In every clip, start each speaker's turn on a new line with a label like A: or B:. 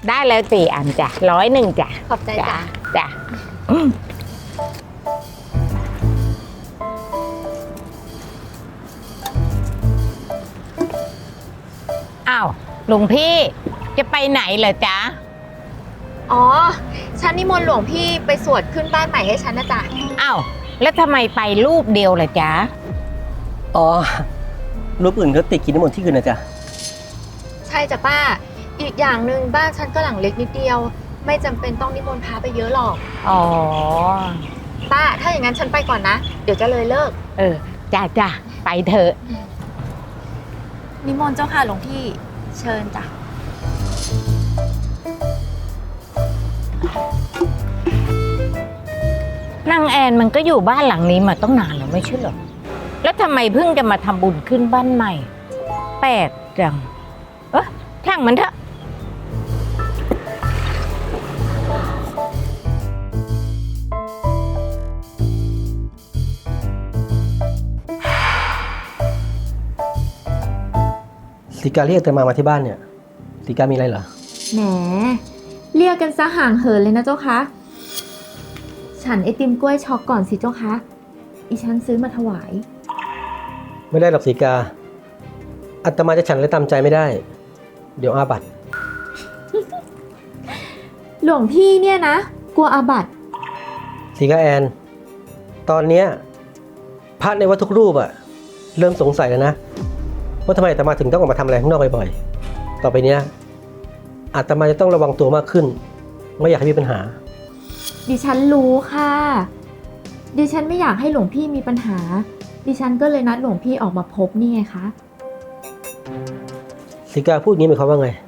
A: ได้แล้ว4 อันจ้ะ101จ้ะ
B: ขอบใจจ้ะ
A: จ้ะอ้าวหลวงพี่จะไปไหนเหรอจ๊ะ
B: อ๋อฉันนิมนต์หลวงพี่ไปสวดขึ้นบ้านใหม่ให้ฉันนะจ๊ะ
A: อ้าวแล้วทำไมไปรูปเดียวล่ะจ๊ะ
C: อ๋อรูปอื่นเขาติดกินน้ำมนต์ที่คืนนะจ๊ะ
B: ใช่จ้ะป้าอีกอย่างหนึ่งบ้านฉันก็หลังเล็กนิดเดียวไม่จำเป็นต้องนิมนต์พระไปเยอะหรอก
A: อ๋อ
B: ป้าถ้าอย่างนั้นฉันไปก่อนนะเดี๋ยวจะเลยเลิก
A: จ้ะไปเถอะ
B: นิมนต์เจ้าค่ะหลวงพี่เชิญจ้ะ
A: นางแอนมันก็อยู่บ้านหลังนี้มาต้องนานแล้วไม่ใช่เหรอแล้วทำไมเพิ่งจะมาทำบุญขึ้นบ้านใหม่แปลกจังช่างมันเถอะ
C: สีกาเรียกแต่มาที่บ้านเนี่ยสีกามีอะไรเหรอ
B: แหมเรียกกันซะห่างเหินเลยนะเจ้าคะฉันไอติมกล้วยช็อกก่อนสิเจ้าคะอีฉันซื้อมาถวาย
C: ไม่ได้หรอกสีกาอาตมาจะฉันและตามใจไม่ได้เดี๋ยวอาบัติ
B: หลวงพี่เนี่ยนะกลัวอาบัติ
C: สีกาแอนตอนเนี้ยพระในวัดทุกรูปอะเริ่มสงสัยแล้วนะว่าทำไมอาตมาถึงต้องออกมาทำอะไรข้างนอกบ่อยๆต่อไปเนี้ยอาตมาจะต้องระวังตัวมากขึ้นไม่อยากให้มีปัญหา
B: ดิฉันรู้ค่ะดิฉันไม่อยากให้หลวงพี่มีปัญหาดิฉันก็เลยนัดหลวงพี่ออกมาพบนี่ไงคะ
C: สีกาพูดงี้หมายความว่าไง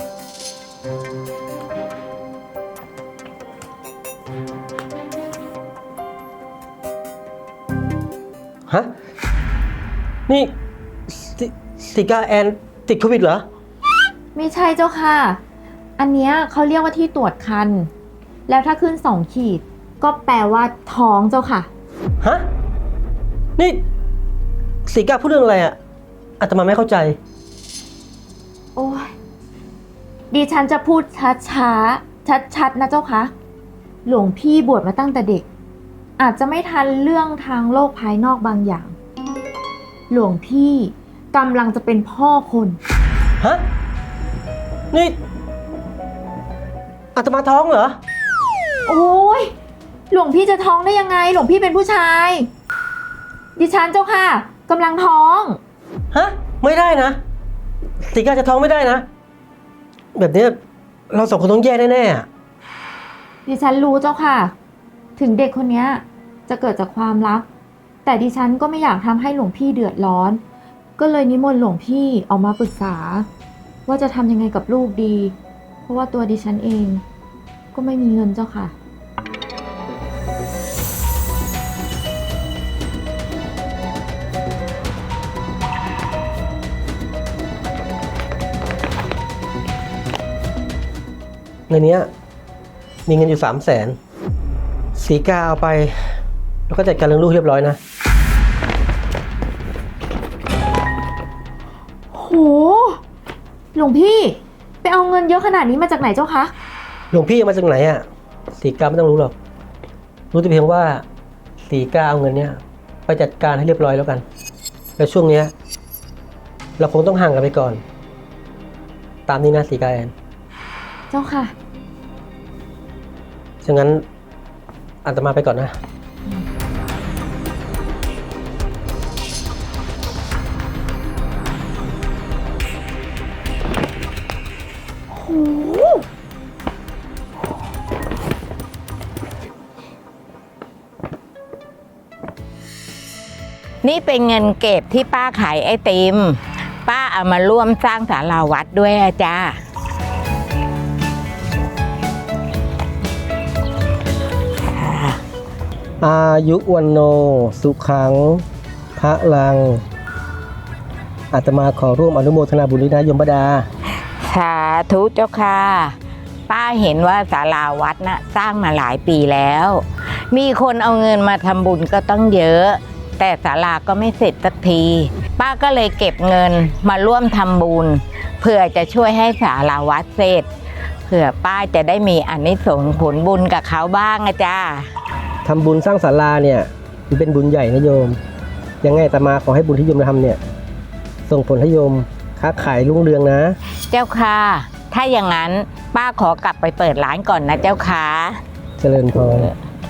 C: ฮะนี่สีกาแอนติดโควิดเหรอ
B: ไม่ใช่เจ้าค่ะอันเนี้ยเขาเรียกว่าที่ตรวจคันแล้วถ้าขึ้น2 ขีดก็แปลว่าท้องเจ้าค่ะ
C: ฮะนี่สีกาพูดเรื่องอะไรอ่ะอาตมาไม่เข้าใจ
B: โอ้ยดิฉันจะพูดช้าชัดนะเจ้าค่ะหลวงพี่บวชมาตั้งแต่เด็กอาจจะไม่ทันเรื่องทางโลกภายนอกบางอย่างหลวงพี่กำลังจะเป็นพ่อคน
C: ฮะนี่อาตมาท้องเหรอ
B: โอ้ยหลวงพี่จะท้องได้ยังไงหลวงพี่เป็นผู้ชายดิฉันเจ้าค่ะกำลังท้อง
C: ฮะไม่ได้นะสีกาจะท้องไม่ได้นะแบบนี้เรา2 คนต้องแย่แน่
B: ๆดิฉันรู้เจ้าค่ะถึงเด็กคนนี้จะเกิดจากความรักแต่ดิฉันก็ไม่อยากทำให้หลวงพี่เดือดร้อนก็เลยนิมนต์หลวงพี่ออกมาปรึกษาว่าจะทำยังไงกับลูกดีเพราะว่าตัวดิฉันเองก็ไม่มีเงินเจ้าค่ะ
C: ในนี้มีเงินอยู่300,000สีกาเอาไปแล้วก็จัดการเรื่องลูกเรียบร้อยนะ
B: โหหลวงพี่ไปเอาเงินเยอะขนาดนี้มาจากไหนเจ้าคะ
C: หลวงพี่เอามาจากไหนอ่ะสีกาไม่ต้องรู้หรอกรู้แต่เพียงว่าสีกาเอาเงินเนี้ยไปจัดการให้เรียบร้อยแล้วกันแล้วช่วงเนี้ยเราคงต้องห่างกันไปก่อนตามนี้นะสีกาแอน
B: เจ้าค่ะ
C: ฉะนั้นอาตมาไปก่อนนะ
B: โห
A: นี่เป็นเงินเก็บที่ป้าขายไอติมป้าเอามาร่วมสร้างศาลาวัดด้วยจ้า
C: อายุวันโนสุขังพระลังอาตมาขอร่วมอนุโมทนาบุญด้วยนะโยมบดา
A: สาธุเจ้าค่ะป้าเห็นว่าศาลาวัดน่ะสร้างมาหลายปีแล้วมีคนเอาเงินมาทำบุญก็ต้องเยอะแต่ศาลาก็ไม่เสร็จสักทีป้าก็เลยเก็บเงินมาร่วมทำบุญเพื่อจะช่วยให้ศาลาวัดเสร็จผื่อป้าจะได้มีอานิสงส์ผลบุญกับเขาบ้างอะจ้า
C: ทำบุญสร้างศาลาเนี่ยมันเป็นบุญใหญ่นะโยม ยังไงอาตมาขอให้บุญที่โยมทำเนี่ยส่งผลให้โยมค้าขายรุ่งเรืองนะ
A: เจ้าค่ะ ถ้าอย่างนั้นป้าขอกลับไปเปิดร้านก่อนนะเจ้าค่ะ
C: เจริญพร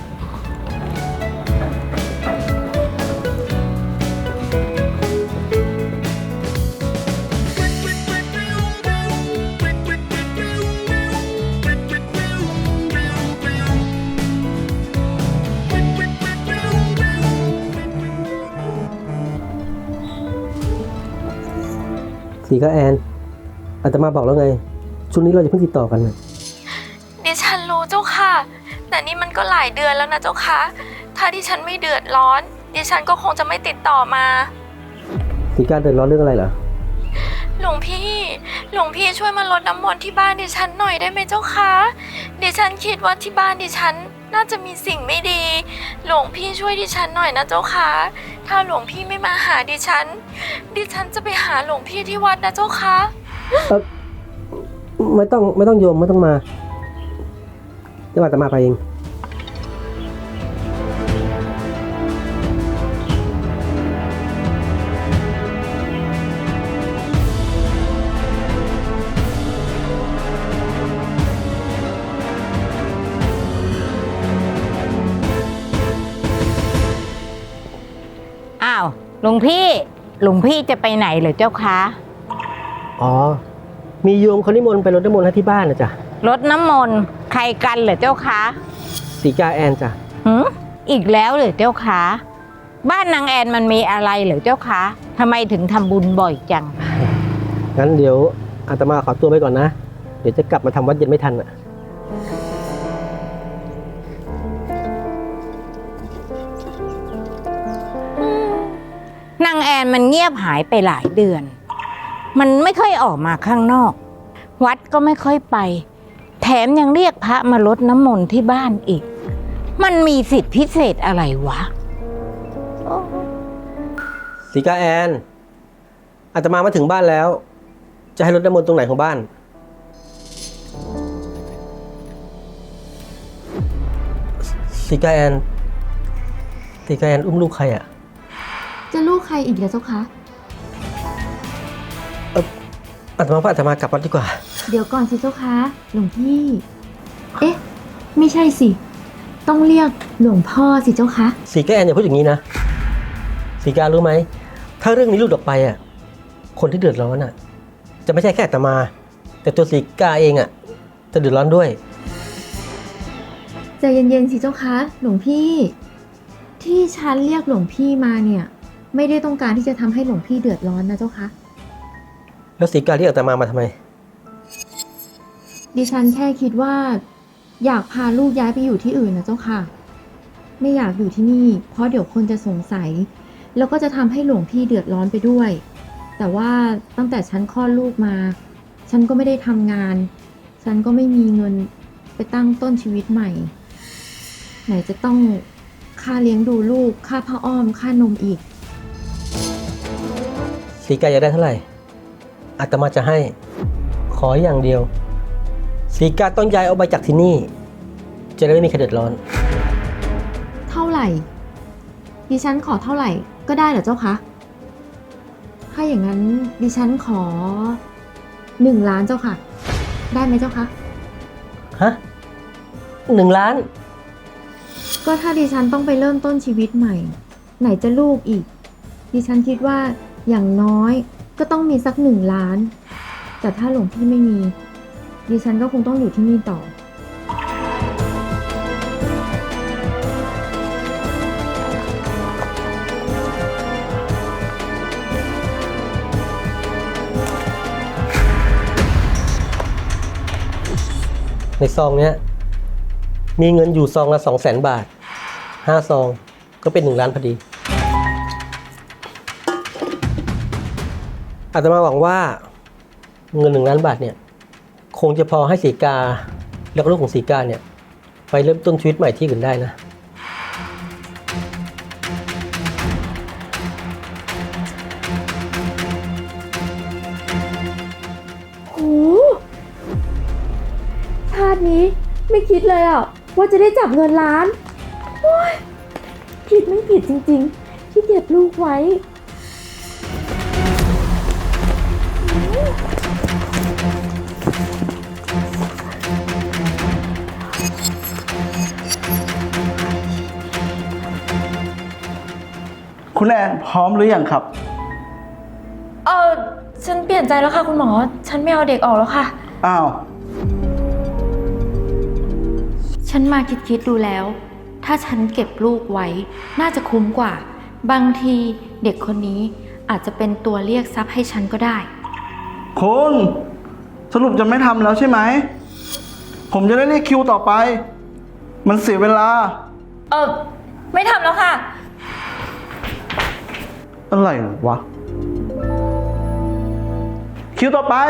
C: สีก็แอนอาตมาบอกแล้วไงช่วงนี้เราจะเพิ่งติดต่อกันนะ
B: ดิฉันรู้เจ้าค่ะ แต่นี่มันก็หลายเดือนแล้วนะเจ้าค่ะ ถ้าดิฉันไม่เดือดร้อน ดิฉันก็คงจะไม่ติดต่อมา
C: สีการเดือดร้อนเรื่องอะไรเหรอ
B: หลวงพี่ช่วยมาลดน้ำมนต์ที่บ้านดิฉันหน่อยได้ไหมเจ้าคะดิฉันคิดว่าที่บ้านดิฉันน่าจะมีสิ่งไม่ดี หลวงพี่ช่วยดิฉันหน่อยนะเจ้าคะถ้าหลวงพี่ไม่มาหาดิฉันจะไปหาหลวงพี่ที่วัดนะเจ้าคะ
C: ไม่ต้องโยมไม่ต้องมาเดี๋ยวอาตมาไปเอง
A: อ้าวหลวงพี่จะไปไหนเหรอเจ้าคะ
C: อ๋อ มีโยมเขานิมนต์ไปรดน้ำมนต์ให้ที่บ้านนะจ๊ะ
A: รดน้ำมนต์ใครกันเหรอเจ้าคะ
C: สีกาแอนจ้ะ
A: อีกแล้วเหรอเจ้าคะบ้านนางแอนมันมีอะไรเหรอเจ้าคะทำไมถึงทำบุญบ่อยจัง
C: งั้นเดี๋ยวอาตมาขอตัวไปก่อนนะ เดี๋ยวจะกลับมาทำวัดเย็นไม่ทันอ่ะ
A: นางแอนมันเงียบหายไปหลายเดือน มันไม่ค่อยออกมาข้างนอก วัดก็ไม่ค่อยไป แถมยังเรียกพระมารดน้ำมนต์ที่บ้านอีก มันมีสิทธิพิเศษอะไรวะ
C: สีกาแอนอาตมาถึงบ้านแล้ว จะให้รดน้ำมนต์ตรงไหนของบ้าน สีกาแอนอุ้มลูกใครอ่ะ
B: จะลูกใครอีกล่ะเจ้าคะ
C: อาตมากลับวัดดีกว่า
B: เดี๋ยวก่อนสิเจ้าคะหลวงพี่ เอ๊ะ ไม่ใช่สิ ต้องเรียกหลวงพ่อสิเจ้าคะ
C: สีกาแอนอย่าพูดอย่างนี้นะ สีการู้ไหม ถ้าเรื่องนี้หลุดออกไปอ่ะ คนที่เดือดร้อนอ่ะ จะไม่ใช่แค่อาตมา แต่ตัวสีกาเองอ่ะ จะเดือดร้อนด้วย
B: ใจเย็นๆสิเจ้าคะหลวงพี่ ที่ฉันเรียกหลวงพี่มาเนี่ย ไม่ได้ต้องการที่จะทำให้หลวงพี่เดือดร้อนนะเจ้าคะ
C: แล้วสีกาเรียกอาตมาทำไม
B: ดิฉันแค่คิดว่า อยากพาลูกย้ายไปอยู่ที่อื่นนะเจ้าค่ะ ไม่อยากอยู่ที่นี่ เพราะเดี๋ยวคนจะสงสัย แล้วก็จะทำให้หลวงพี่เดือดร้อนไปด้วย แต่ว่าตั้งแต่ฉันคลอดลูกมา ฉันก็ไม่ได้ทำงาน ฉันก็ไม่มีเงินไปตั้งต้นชีวิตใหม่ ไหนจะต้องค่าเลี้ยงดูลูก ค่าผ้าอ้อม ค่านมอีก
C: สีกาอยากได้เท่าไหร่ อาตมาจะให้ ขออย่างเดียว สีกาต้องย้ายออกไปจากที่นี่ จะได้ไม่มีใครเดือดร้อน
B: เท่าไหร่ ดิฉันขอเท่าไหร่ก็ได้เหรอเจ้าคะ ถ้าอย่างนั้นดิฉันขอ1 ล้านเจ้าค่ะ ได้ไหมเจ้าคะ
C: ฮะ1 ล้าน
B: ก็ถ้าดิฉันต้องไปเริ่มต้นชีวิตใหม่ ไหนจะลูกอีก ดิฉันคิดว่าอย่างน้อยก็ต้องมีสัก1 ล้าน แต่ถ้าหลวงพี่ไม่มี ดิฉันก็คงต้องอยู่ที่นี่ต่อ
C: ในซองเนี้ยมีเงินอยู่ซองละ200,000 บาท5 ซองก็เป็น1 ล้านพอดี อาตมาหวังว่าเงิน1 ล้านบาทเนี่ยคงจะพอให้สีกาแล้วก็ลูกของสีกาเนี่ยไปเริ่มต้นชีวิตใหม่ที่อื่นได้นะ
B: โหนี้ไม่คิดเลยอ่ะว่าจะได้จับเงินล้านโอ๊ยผิดไม่ผิดจริงๆ ที่เก็บลูกไว้
D: คุณแอนพร้อมหรือยังครับ
B: ฉันเปลี่ยนใจแล้วค่ะคุณหมอ ฉันไม่เอาเด็กออกแล้วค่ะ
D: อ้าว
B: ฉันมาคิดดูแล้ว ถ้าฉันเก็บลูกไว้ น่าจะคุ้มกว่า บางทีเด็กคนนี้อาจจะเป็นตัวเรียกทรัพย์ให้ฉันก็ได้
D: คุณสรุปจะไม่ทำแล้วใช่ไหม ผมจะได้เรียกคิวต่อไป มันเสียเวลา
B: ไม่ทำแล้วค่ะ
D: อะไรวะ คิวต่อไป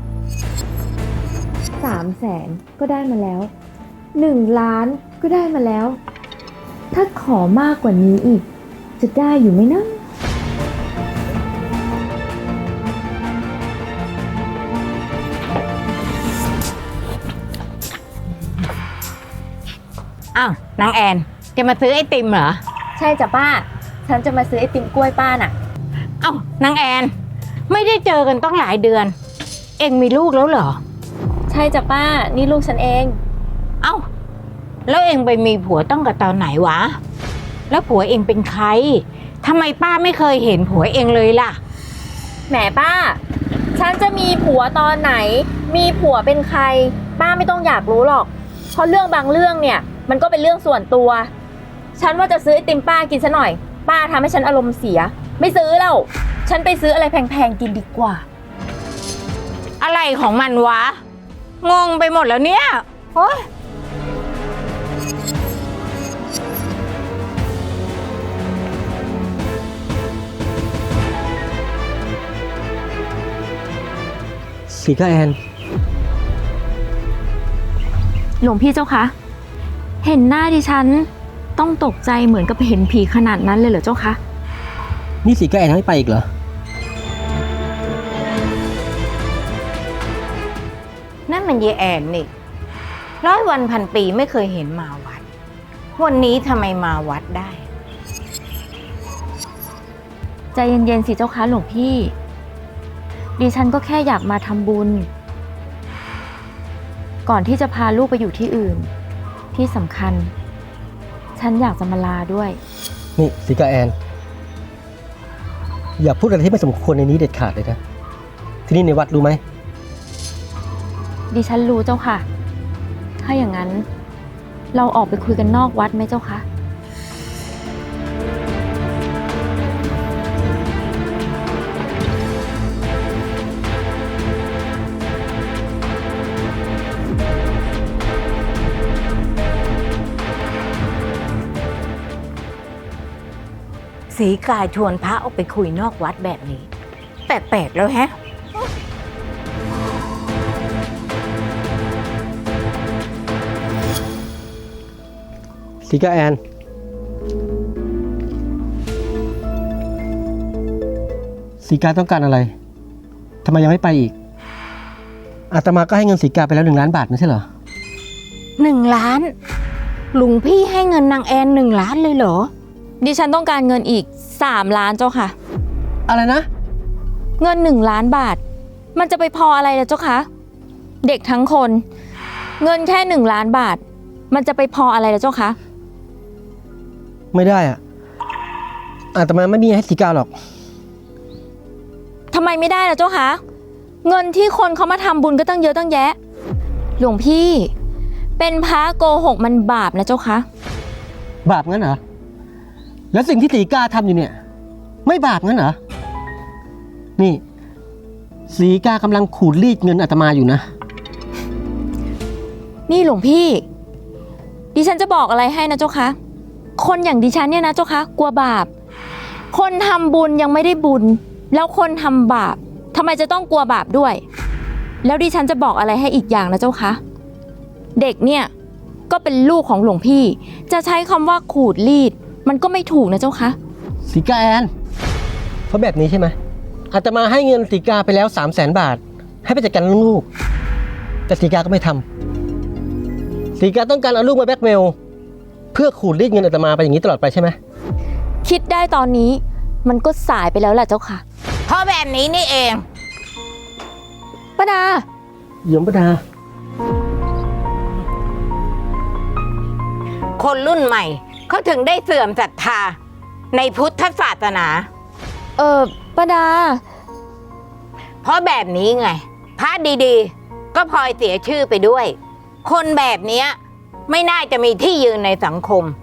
B: 300,000ก็ได้มาแล้ว1 ล้านก็ได้มาแล้ว ถ้าขอมากกว่านี้อีก จะได้อยู่ไหมนะ
A: อ้าวนางแอนจะมาซื้อไอติมเหรอ
B: ใช่จ้ะป้า ฉันจะมาซื้อไอติมกล้วยป้าน่ะ
A: เอ้านางแอนไม่ได้เจอกันต้องหลายเดือน เอ็งมีลูกแล้วเหรอ
B: ใช่จ้ะป้า นี่ลูกฉันเอง
A: เอ้าแล้วเอ็งไปมีผัวต้องกับตอนไหนวะ แล้วผัวเอ็งเป็นใครทำไมป้าไม่เคยเห็นผัวเอ็งเลยล่ะ
B: แหมป้า ฉันจะมีผัวตอนไหน มีผัวเป็นใคร ป้าไม่ต้องอยากรู้หรอก เพราะเรื่องบางเรื่องเนี่ย มันก็เป็นเรื่องส่วนตัว ฉันว่าจะซื้อไอติมป้ากินซะหน่อย ป้าทำให้ฉันอารมณ์เสีย ไม่ซื้อแล้ว ฉันไปซื้ออะไรแพงๆกินดีกว่า
A: อะไรของมันวะ งงไปหมดแล้วเนี่ยโอ๊ย
C: สีก้าแอน
B: หลวงพี่เจ้าคะ เห็นหน้าดิฉันต้องตกใจเหมือนกับเห็นผีขนาดนั้นเลยเหรอเจ้าคะ
C: นี่สีก้าแอนไม่ไปอีกเหรอ
A: นั่นมันเยแอนนี่100 วันพันปีไม่เคยเห็นมาวัด วันนี้ทำไมมาวัดได้
B: ใจเย็นๆสิเจ้าคะหลวงพี่ ดิฉันก็แค่อยากมาทำบุญ ก่อนที่จะพาลูกไปอยู่ที่อื่น ที่สำคัญ ฉันอยากจะมาลาด้วย
C: นี่สีก้าแอน อย่าพูดอะไรที่ไม่สมควรในนี้เด็ดขาดเลยนะ ที่นี่ในวัดรู้ไหม
B: ดิฉันรู้เจ้าค่ะ ถ้าอย่างนั้น เราออกไปคุยกันนอกวัดไหมเจ้าคะ
A: สีกาชวนพระออกไปคุยนอกวัดแบบนี้ แปลกๆแล้วแฮะ
C: สีก้าแอน สีกาต้องการอะไร ทำไมยังไม่ไปอีก อาตมาก็ให้เงินสีกาไปแล้ว1 ล้านบาทไม่ใช่เหรอ
A: 1 ล้านหลวงพี่ให้เงินนางแอน1 ล้านเลยเหรอ
B: ดิฉันต้องการเงินอีก3 ล้านเจ้าค่ะ
C: อะไรนะ
B: เงิน1 ล้านบาท มันจะไปพออะไรล่ะเจ้าคะ เด็กทั้งคน เงินแค่1 ล้านบาท มันจะไปพออะไรล่ะเจ้าคะ
C: ไม่ได้อะอาตมาไม่มีให้สีกาหรอก
B: ทำไมไม่ได้ล่ะเจ้าคะ เงินที่คนเขามาทำบุญก็ตั้งเยอะตั้งแยะ หลวงพี่ เป็นพระโกหกมันบาปนะเจ้าคะ
C: บาปงั้นเหรอ แล้วสิ่งที่สีกาทำอยู่เนี่ย ไม่บาปงั้นเหรอ นี่สีกากำลังขูดรีดเงินอาตมาอยู่นะ
B: นี่หลวงพี่ ดิฉันจะบอกอะไรให้นะเจ้าคะ คนอย่างดิฉันเนี่ยนะเจ้าคะ กลัวบาป คนทำบุญยังไม่ได้บุญ แล้วคนทำบาปทำไมจะต้องกลัวบาปด้วย แล้วดิฉันจะบอกอะไรให้อีกอย่างนะเจ้าคะ เด็กเนี่ยก็เป็นลูกของหลวงพี่ จะใช้คำว่าขูดรีด มันก็ไม่ถูกนะเจ้าคะ
C: สีกาแอนเพราะแบบนี้ใช่ไหมอาตมาให้เงินสีกาไปแล้ว300,000 บาท ให้ไปจัดการเรื่องลูก แต่สีกาก็ไม่ทสีกาต้องการเอาลูกมาแบล็กเมลเพื่อขูดรีดเงินอาตมาไปอย่างนี้ตลอดไปใช่ไหม
B: คิดได้ตอนนี้มันก็สายไปแล้วแหละเจ้าค่ะ
A: เพราะแบบนี้นี่เอง
B: ป้าดา
C: โยมประดา
A: คนรุ่นใหม่เขาถึงได้เสื่อมศรัทธาในพุทธศาสนา
B: ป้าดา
A: เพราะแบบนี้ไงพระดีๆ ก็พลอยเสียชื่อไปด้วย คนแบบเนี้ยไม่น่าจะมีที่ยืนในสังคม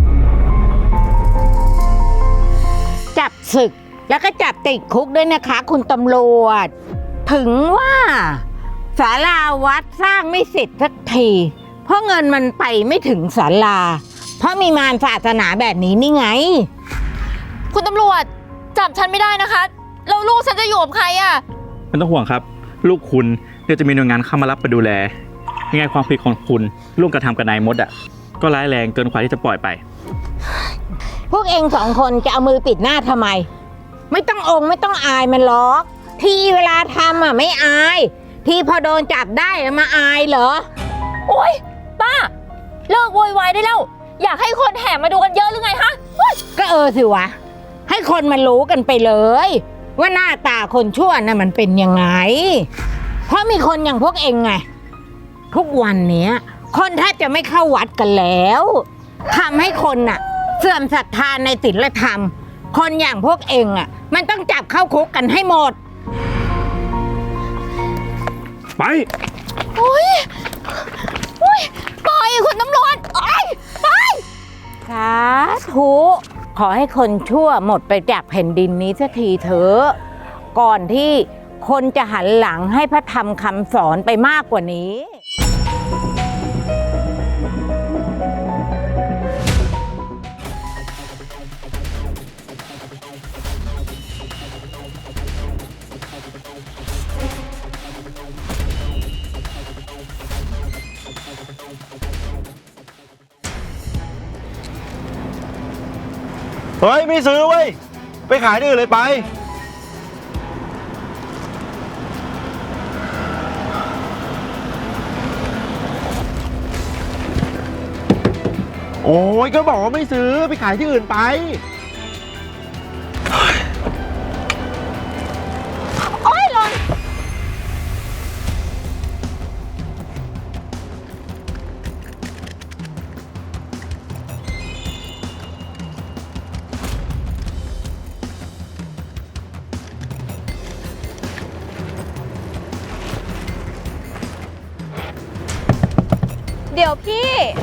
A: จับศึกแล้วก็จับติดคุกด้วยนะคะ คุณตำรวจ ถึงว่าศาลาวัดสร้างไม่เสร็จสักที เพราะเงินมันไปไม่ถึงศาลา เพราะมีมารศาสนาแบบนี้นี่ไง
B: คุณตำรวจจับฉันไม่ได้นะคะแล้วลูกฉันจะอยู่กับใครอ่ะ
E: ไม่ต้องห่วงครับ ลูกคุณเดี๋ยวจะมีหน่วยงานเข้ามารับไปดูแลยังไงความผิดของคุณร่วมกระทำกับนายมดก็ร้ายแรงเกินกว่าที่จะปล่อยไป
A: พวกเองสองคนจะเอามือปิดหน้าทำไม ไม่ต้องไม่ต้องอายมันหรอก ทีเวลาทำไม่อาย ทีพอโดนจับได้มาอายเหรอ
B: โอ๊ยป้าเลิกโวยวายได้แล้วอยากให้คนแห่มาดูกันเยอะหรือไงฮะ
A: ก็สิวะ ให้คนมันรู้กันไปเลย ว่าหน้าตาคนชั่วน่ะมันเป็นยังไง เพราะมีคนอย่างพวกเองไง ทุกวันเนี้ย คนแทบจะไม่เข้าวัดกันแล้วทำให้คนน่ะ เสื่อมศรัทธาในศีลธรรม คนอย่างพวกเองมันต้องจับเข้าคุกกันให้หมด
E: ไป
B: ปล่อยคุณตำรวจไป
A: สาธุขอให้คนชั่วหมดไปจากแผ่นดินนี้สักทีเถอะก่อนที่คนจะหันหลังให้พระธรรมคำสอนไปมากกว่านี้
D: เฮ้ย ไม่ซื้อเว้ย ไปขายที่อื่นเลยไป โอ้ยก็บอกว่าไม่ซื้อไปขายที่อื่นไป
F: เดี๋ยวพี่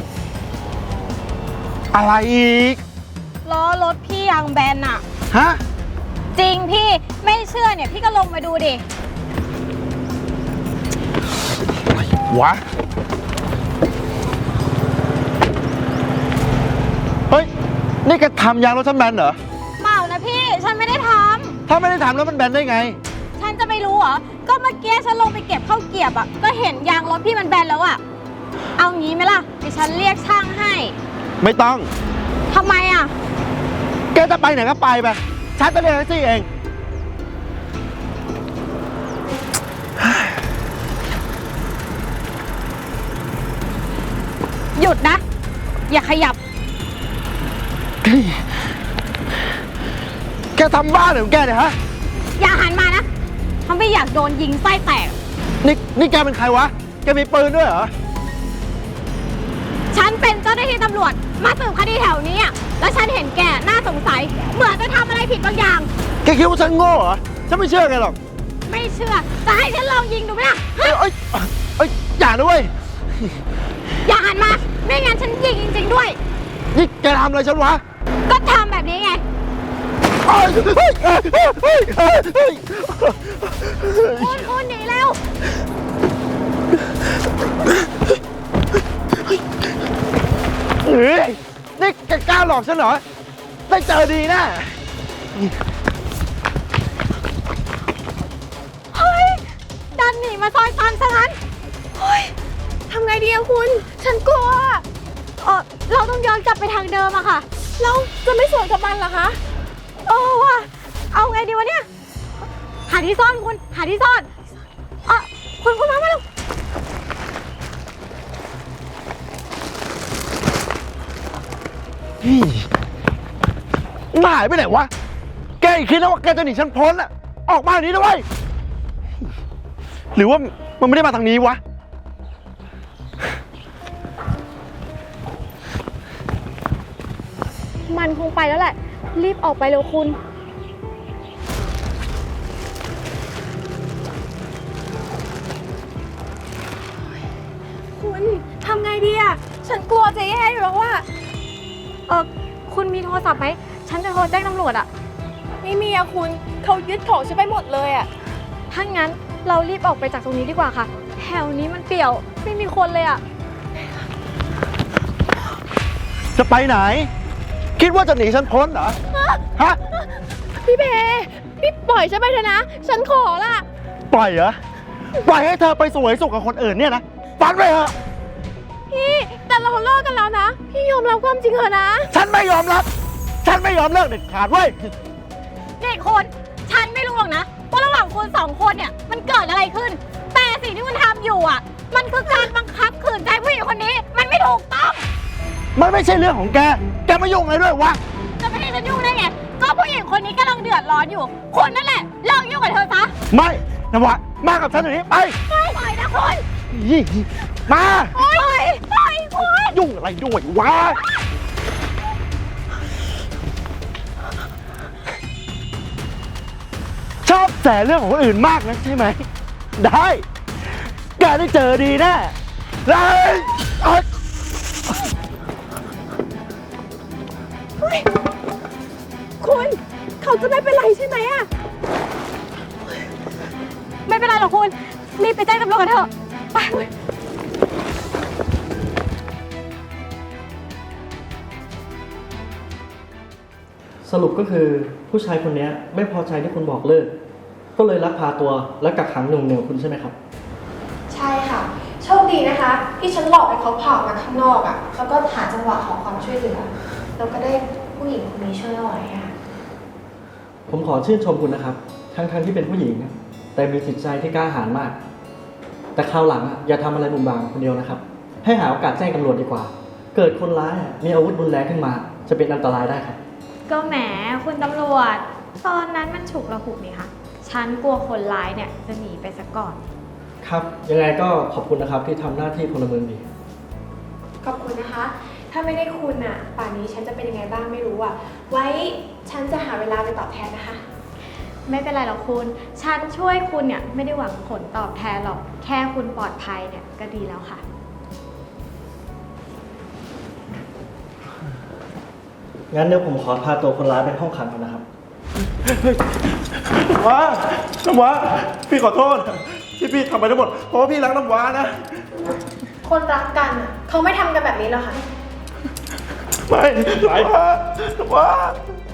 D: อะไรอีก
F: ล้อรถพี่ยางแบนอะ
D: ฮะ
F: จริงพี่ไม่เชื่อเนี่ยพี่ก็ลงมาดูดิ
D: วะ เฮ้ย นี่แกทำยางรถฉันแบนเหรอ
F: เปล่านะพี่ฉันไม่ได้ท
D: ถ้าไม่ได้ทำแล้วมันแบนได้ไง
F: ำฉันจะไม่รู้เหรอ ก็เมื่อกี้ฉันลงไปเก็บข้าวเกรียบอะก็เห็นยางรถพี่มันแบนแล้วอะเอางี้ไหมล่ะเดี๋ยวฉันเรียกช่างให้
D: ไม่ต้อง
F: ทำไมอะ
D: แกจะไปไหนก็ไปไป ฉันจะเรียกแท็กซี่เอง
F: หยุดนะ อย่าขยับ
D: แกทำบ้าเหรอของแกเนี่ยฮะ
F: อย่าหันมานะทำไม่อยากโดนยิงไส้แตก
D: นี่แกเป็นใครวะ แกมีปืนด้วยเหรอ
F: ฉันเป็นเจ้าหน้าที่ตำรวจมาสืบคดีแถวนี้อะแล้วฉันเห็นแกน่าสงสัย เหมือนจะทำอะไรผิดบางอย่าง
D: แกคิดว่าฉันโง่เหรอ ฉันไม่เชื่อแกหรอก
F: ไม่เชื่อ จะให้ฉันลองยิงดูไหมล่ะ
D: เอ้ยอย่าด้วย
F: อย่าหันมา ไม่งั้นฉันยิงจริงๆด้วย
D: นี่แกทำอะไรฉันวะ
F: ก็ทำแบบนี้ไง
D: เฮ้ยเฮ้ยเฮ้ยเฮ้ยเฮ้ยเฮ้ย
F: คุณหนีแล้ว
D: เฮ้ยนี่แกกล้าหลอกฉันเหรอ ได้เจอดีนะ
F: เฮ้ย ดันหนีมาซอยตันซะงั้น เฮ้ย ทำไงดีอะคุณ ฉันกลัว เราต้องย้อนกลับไปทางเดิมอะค่ะ เราจะไม่สวนกับมันเหรอคะว่ะ เอาไงดีวะเนี่ย หาที่ซ่อนคุณ หาที่ซ่อนคุณมาเร็ว
D: มันหายไปไหนวะ แกคิดนะว่าแกจะหนีฉันพ้นอะออกมาอย่างนี้นะเว้ย หรือว่ามันไม่ได้มาทางนี้วะ
F: มันคงไปแล้วแหละ รีบออกไปเร็วคุณ คุณทำไงดีอะฉันกลัวจะแย่อยู่แล้วว่าคุณมีโทรศัพท์ไหม ฉันจะโทรแจ้งตำรวจอะไม่มีอะคุณ เขายึดของฉันไปหมดเลยอะถ้างั้นเรารีบออกไปจากตรงนี้ดีกว่าค่ะ แถวนี้มันเปี่ยว ไม่มีคนเลยอะ
D: จะไปไหน คิดว่าจะหนีฉันพ้นเหรอ ฮะ
F: พี่เบพี่ปล่อยฉันไปเถอะนะ ฉันขอละ
D: ปล่อยเหรอ ปล่อยให้เธอไปสวยสุขกับคนอื่นเนี่ยนะฝันไปเถอะ
F: พี่แต่เราเลิกกันแล้วนะ พี่ยอมรับความจริงเถอะนะ
D: ฉันไม่ยอมรับ ฉันไม่ยอมเลิกเด็ดขาดเว้ย
F: เด็กคนฉันไม่รู้หรอกนะว่าระหว่างคุณสองคนเนี่ยมันเกิดอะไรขึ้น แต่สิ่งที่คุณทำอยู่อ่ะ มันคือการบังคับขืนใจผู้หญิงคนนี้ มันไม่ถูกต้อง
D: มันไม่ใช่เรื่องของแก แกไม่ยุ่งอะไรด้วยวะ
F: จะไม่ให้ฉันยุ่งได้ไง ก็ผู้หญิงคนนี้กำลังเดือดร้อนอยู่คุณนั่นแหละเลิกยุ่งกับเธอซะ
D: ไม่นวะมากับฉันเดี๋ยวนี้ไป
F: ไม่ปล่อยนะคุณ
D: ยี่มา
F: ปล่อยปล่อยคุณ
D: ยุ่งอะไรด้วยวะ ชอบแสเรื่องของคนอื่นมากนะใช่ไหม ได้ แกได้เจอดีแน่ได้เอ้ย
F: คุณเขาจะไม่เป็นไรใช่ไหมอะไม่เป็นไรหรอกคุณรีบไปแจ้งตำรวจกันเถอะไป
G: สรุปก็คือผู้ชายคนนี้ไม่พอใจที่คุณบอกเลิก ก็เลยลักพาตัวและกักขังหน่วงเหนี่ยวคุณใช่ไหมครับ
H: ใช่ค่ะ โชคดีนะคะ ที่ฉันหลอกให้เขาผ่าออกมาข้างนอกอะ่ะ แล้วก็หาจังหวะขอความช่วยเหลือ แล้วก็ได้ผู้หญิงคนนี้ช่วยเอาไว้ค่ะ
G: ผมขอชื่นชมคุณนะครับ ทั้งที่เป็นผู้หญิง แต่มีจิตใจที่กล้าหาญมาก แต่คราวหลังอย่าทำอะไรบุ่มบามคนเดียวนะครับ ให้หาโอกาสแจ้งตำรวจดีกว่า เกิดคนร้ายมีอาวุธรุนแรงขึ้นมา จะเป็นอันตรายได้ครับ
B: ก็แหมคุณตำรวจ ตอนนั้นมันฉุกละหุกนี่คะฉันกลัวคนร้ายเนี่ยจะหนีไปซะก่อน
G: ครับ ยังไงก็ขอบคุณนะครับที่ทำหน้าที่พลเมืองดี
H: ขอบคุณนะคะ ถ้าไม่ได้คุณอ่ะ ป่านนี้ฉันจะเป็นยังไงบ้างไม่รู้อ่ะ ไว้ฉันจะหาเวลาไปตอบแทนนะคะ
B: ไม่เป็นไรหรอกคุณ ฉันช่วยคุณเนี่ยไม่ได้หวังผลตอบแทนหรอก แค่คุณปลอดภัยเนี่ยก็ดีแล้วค่ะ
G: งั้นเดี๋ยวผมขอพาตัวคนร้ายไปห้องขังก่อนนะครับ
D: น้ำว้าพี่ขอโทษ ที่พี่ทำไปทั้งหมด เพราะว่าพี่รักน้ำว้านะ
H: คนรักกันอะเขาไม่ทำกันแบบนี้หรอกค่ะ
D: ไม่น้ำว้า